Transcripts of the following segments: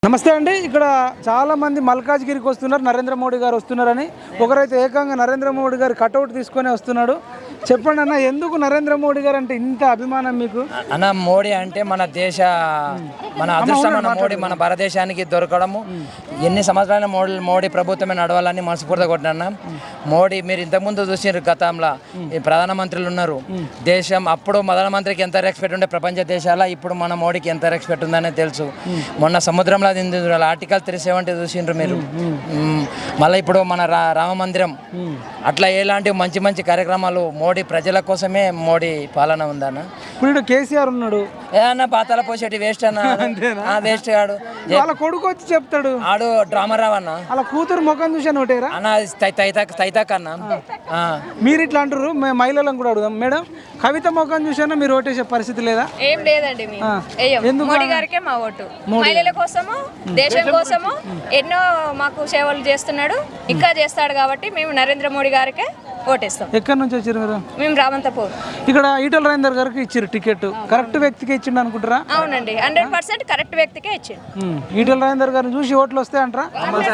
నమస్తే అండి. ఇక్కడ చాలామంది మల్కాజ్గిరికి వస్తున్నారు, నరేంద్ర మోడీ గారు వస్తున్నారని. ఒకరైతే ఏకంగా నరేంద్ర మోడీ గారు కటౌట్ తీసుకొని వస్తున్నాడు. చెప్పండి అన్న, ఎందుకు నరేంద్ర మోడీ గారు అంటే ఇంత అభిమానం మీకు? అన్న, మోడీ అంటే మన అదృష్టం. మన భారతదేశానికి దొరకడము ఎన్ని సంవత్సరాల మోడీ ప్రభుత్వమే నడవాలని మనస్ఫూర్తిగా కొట్టినా. మోడీ మీరు ఇంతకుముందు చూసిన గతంలో ఈ ప్రధానమంత్రులు ఉన్నారు. దేశం అప్పుడు ప్రధానమంత్రికి ఎంత రెస్పెక్ట్ ఉండే ప్రపంచ దేశాల, ఇప్పుడు మన మోడీకి ఎంత రెస్పెక్ట్ ఉందనే తెలుసు. మొన్న సముద్రంలో ఆర్టికల్ 370 చూసిండ్రు మీరు. మళ్ళీ ఇప్పుడు మన రామ మందిరం, అట్లా ఎలాంటి మంచి మంచి కార్యక్రమాలు మోడీ ప్రజల కోసమే మోడీ పాలన ఉందన్న. ఇప్పుడు కేసీఆర్ ఉన్నాడు, ఏదన్నా పాతాల పోసేటి వేస్ట్ అన్న. వేస్ట్ కాడు, వాళ్ళ కొడుకు వచ్చి చెప్తాడు, ఆడు డ్రామా రావన్న. అలా కూతురు ముఖం చూసాను ఒకటేరా అన్న, తైతాక్ అన్న. మీరు ఇట్లా అంటారు, మేము మహిళలను కూడా అడుగుదాం. మేడం, కవిత ముఖం చూసానా మీరు ఓటేసే పరిస్థితి లేదా? ఏం లేదండి, మోడీ గారికే మా ఓటు. మహిళల కోసము, దేశం కోసము ఎన్నో మాకు సేవలు చేస్తున్నాడు, ఇంకా చేస్తాడు. కాబట్టి మేము నరేంద్ర మోడీ గారికే ఓటేస్తాం. ఎక్కడి నుంచి వచ్చారు మీరు? మేము రామంతపూర్. ఇక్కడ ఈటల రాజేందర్ గారికి ఇచ్చారు టికెట్, కరెక్ట్ వ్యక్తికి ఇచ్చిండు అనుకుంటారా? అవునండి, 100% కరెక్ట్ వ్యక్తికే ఇచ్చిండు. ఈటల రాజేందర్ గారిని చూసి ఓట్లు వస్తాయంటారా?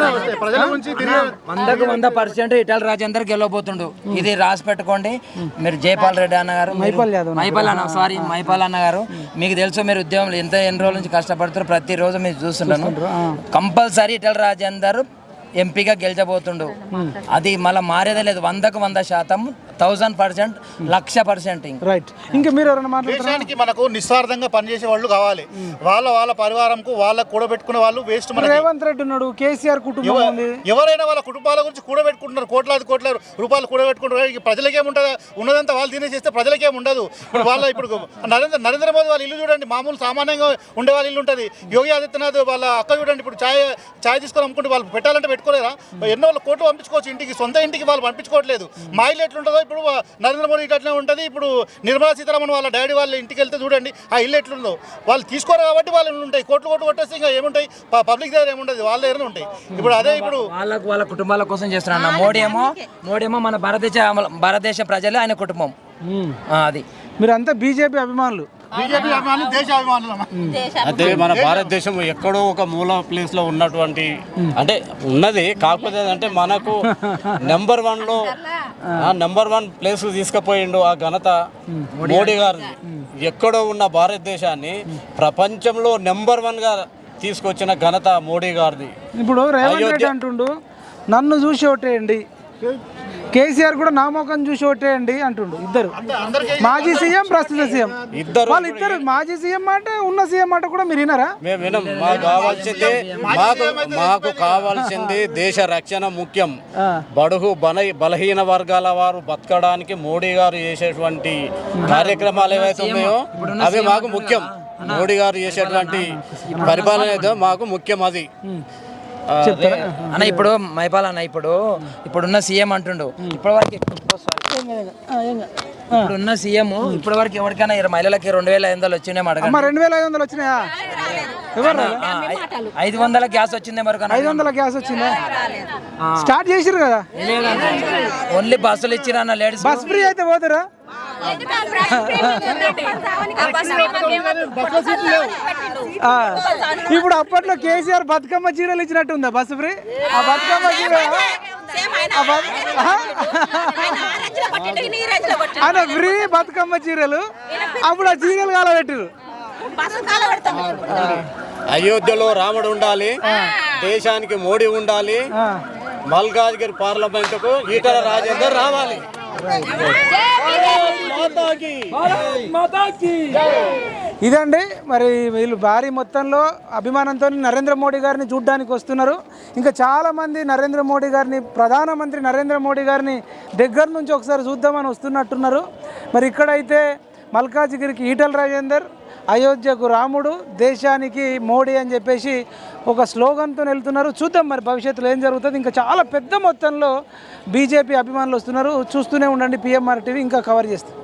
100% ఈటల రాజేందర్ గెలవబోతుండు. ఇది రాసి పెట్టుకోండి. మీరు జైపాల్ రెడ్డి అన్న గారు, మైపాల్ అన్న గారు, మీకు తెలుసు, మీరు ఉద్యోగంలో ఎన్ని రోజుల నుంచి కష్టపడుతారు, ప్రతిరోజు మీరు చూస్తుంటాను. కంపల్సరీ ఈటల రాజేందర్ ఎంపీగా గెలిచబోతుండు. అది మళ్ళీ మారేదే లేదు. 100% 1000%, 1,00,000%. రైట్. ఇంకా మీరు ఎవరైనా దేశానికి మనకు నిస్వార్థంగా పనిచేసే వాళ్ళు కావాలి. వాళ్ళ పరివారంకు వాళ్ళకు కూడబెట్టుకునే వాళ్ళు వేస్ట్. రేవంత్ రెడ్డి ఉన్నాడు, కేసీఆర్ కుటుంబం ఉంది. ఎవరైనా వాళ్ళ కుటుంబాల గురించి కూడబెట్టుకుంటున్నారు, కోట్ల రూపాయలు కూడబెట్టుకుంటారు. ప్రజలకేముంటుంది? ఉన్నదంతా వాళ్ళు తినేసేస్తే ప్రజలకేం ఉండదు. ఇప్పుడు నరేంద్ర మోదీ వాళ్ళ ఇల్లు చూడండి, మామూలు సామాన్యంగా ఉండే వాళ్ళ ఇల్లు ఉంటుంది. యోగి ఆదిత్యనాథ్ వాళ్ళ అక్క చూడండి, ఇప్పుడు ఛాయ్ తీసుకొని అమ్ముకుంటే వాళ్ళు పెట్టాలంటే పెట్టుకోలేరా? ఎన్నో వాళ్ళ కోట్లు పంపించుకోవచ్చు ఇంటికి, సొంత ఇంటికి వాళ్ళు పంపించుకోవట్లేదు. మా ఇల్లు ఎట్లుంటుందో ఇప్పుడు నరేంద్ర మోడీ అట్లనే ఉంటుంది. ఇప్పుడు నిర్మలా సీతారామన్ వాళ్ళ డాడీ వాళ్ళ ఇంటికి వెళ్తే చూడండి ఆ ఇల్లు ఎట్లుందో. వాళ్ళు తీసుకోరు కాబట్టి వాళ్ళు ఉంటాయి. కోట్లు కొట్టేస్తే ఇంకా ఏముంటాయి? పబ్లిక్ దగ్గర ఏముంటుంది, వాళ్ళ దగ్గర ఉంటాయి. ఇప్పుడు అదే ఇప్పుడు వాళ్ళ కుటుంబాల కోసం చేస్తున్నా. మోడీ ఏమో మన భారతదేశ ప్రజలు, ఆయన కుటుంబం. అది మీరంతా బీజేపీ అభిమానులు. అయితే మన భారతదేశం ఎక్కడో ఒక మూల ప్లేస్ లో ఉన్నటువంటి అంటే ఉన్నది, కాకపోతే అంటే మనకు నెంబర్ 1 ప్లేస్ తీసుకుపోయిండు ఆ ఘనత మోడీ గారిది. ఎక్కడో ఉన్న భారతదేశాన్ని ప్రపంచంలో నెంబర్ 1 గా తీసుకొచ్చిన ఘనత మోడీ గారిది. ఇప్పుడు రేవంత్ రెడ్డి అంటుండు, నన్ను చూసి ఓటేయండి, కేసీఆర్ కూడా నా ముఖం చూసి ఓటేయండి అంటుండు. ఇద్దరు మాజీ సీఎం, ప్రస్తుత సీఎం, వాళ్ళిద్దరు మాజీ సీఎం మాట, ఉన్న సీఎం మాట కూడా మీరు వినరా? మేము వినం. మాకు కావాల్సింది దేశ రక్షణ ముఖ్యం. బడుగు బలహీన వర్గాల వారు బతకడానికి మోడీ గారు చేసేటువంటి కార్యక్రమాలు ఏవైతే ఉన్నాయో అవి మాకు ముఖ్యం. మోడీ గారు చేసేటువంటి పరిపాలన ఏదో మాకు ముఖ్యం. అది అన్న, ఇప్పుడు మైపాల్ అన్న, ఇప్పుడున్న సీఎం అంటుండు, ఇప్పుడున్న సీఎం ఇప్పటి వరకు ఎవరికైనా మహిళలకి 2,500 వచ్చినాయి అడగ. 2,500 వచ్చినాయా? 500 గ్యాస్ వచ్చింది మరొక 500 గ్యాస్ వచ్చిందా? స్టార్ట్ చేసిరు కదా? ఓన్లీ బస్సులు ఇచ్చిరా అన్న, లేడీస్ బస్ ఫ్రీ అయితే పోతారా? ఇప్పుడు అప్పట్లో కేసీఆర్ బతుకమ్మ చీరలు ఇచ్చినట్టుందా బస్ ఫ్రీ? ఆ బతుకమ్మ చీర ఆయన ఫ్రీ బతుకమ్మ చీరలు, అప్పుడు ఆ చీరలు కాలబెట్టారు. అయోధ్యలో రాముడు ఉండాలి, దేశానికి మోడీ ఉండాలి, మల్కాజ్గిరి పార్లమెంటుకు ఈటల రాజేందర్ రావాలి. ఇదండి మరి, వీళ్ళు భారీ మొత్తంలో అభిమానంతో నరేంద్ర మోడీ గారిని చూడ్డానికి వస్తున్నారు. ఇంకా చాలామంది నరేంద్ర మోడీ గారిని, ప్రధానమంత్రి నరేంద్ర మోడీ గారిని దగ్గర నుంచి ఒకసారి చూద్దామని వస్తున్నట్టున్నారు. మరి ఇక్కడైతే మల్కాజ్గిరికి ఈటల రాజేందర్, అయోధ్యకు రాముడు, దేశానికి మోడీ అని చెప్పేసి ఒక స్లోగన్తో వెళ్తున్నారు. చూద్దాం మరి భవిష్యత్తులో ఏం జరుగుతుంది. ఇంకా చాలా పెద్ద మొత్తంలో బీజేపీ అభిమానులు వస్తున్నారు. చూస్తూనే ఉండండి, పిఎంఆర్ టీవీ ఇంకా కవర్ చేస్తుంది.